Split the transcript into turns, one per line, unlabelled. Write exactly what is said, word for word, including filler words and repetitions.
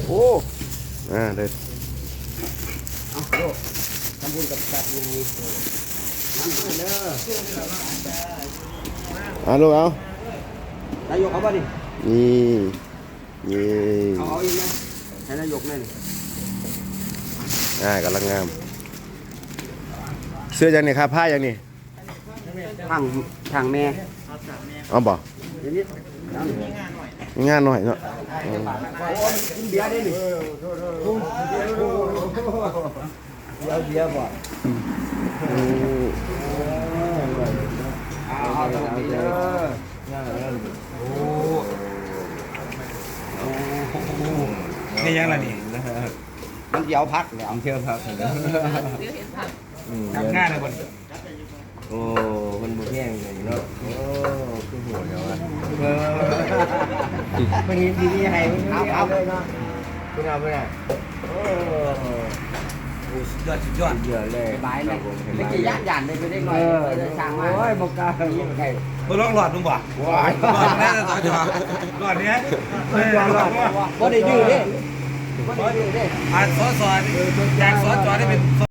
โอ้อ่าเด็ด
เอาโลกทำบุญกับสัตว์ไงน้ำมาเด้อ
เอาลูกเอา
นายกเอาป่ะดิ
นี่นี่
เอาเอาอีกไหมให้นายกแน่นี่
อ่ากำลังงามเสื้อยังนี่ครับผ้ายังนี่
ทางทางแม่
เอาบ่
เดี๋ยวนี้เอาหนิ
งานหน่อยเนาะ
กินเบียร์ได้หนิเบียร์เบียร์บ่
อืม
เอาเอาตรงนี้เด้อโอ้
นี่ยังล่ะนี่
มันเดี๋ยวพักแล้วเที่ยวพักแล้ว
ทำงานเลยบ่นี่
โอ้มันบุกแย่งเลยเนาะโอ้คือหัวเดียวอ่ะมันนี้ทีนี้ให้มันเอาเอาเลยเนาะคุณเอาไปไหนโอ้
โอ้สุดยอดสุดยอด
เยอะเลยบายเลยเมื่อกี้ย่านย่านเลยไปได้หน่อยเลยช่างมาโอ้ยบอกกล้ายิ่งใคร
บ่ลองหลอดมึงบ่
ว้าย
หลอดแน่ต่อจอหลอดเนี้ย
บ่ได้ดื้อเด้บ่ได้ดื้อเด้
อ่านสอสอจากสอจอได้เป็น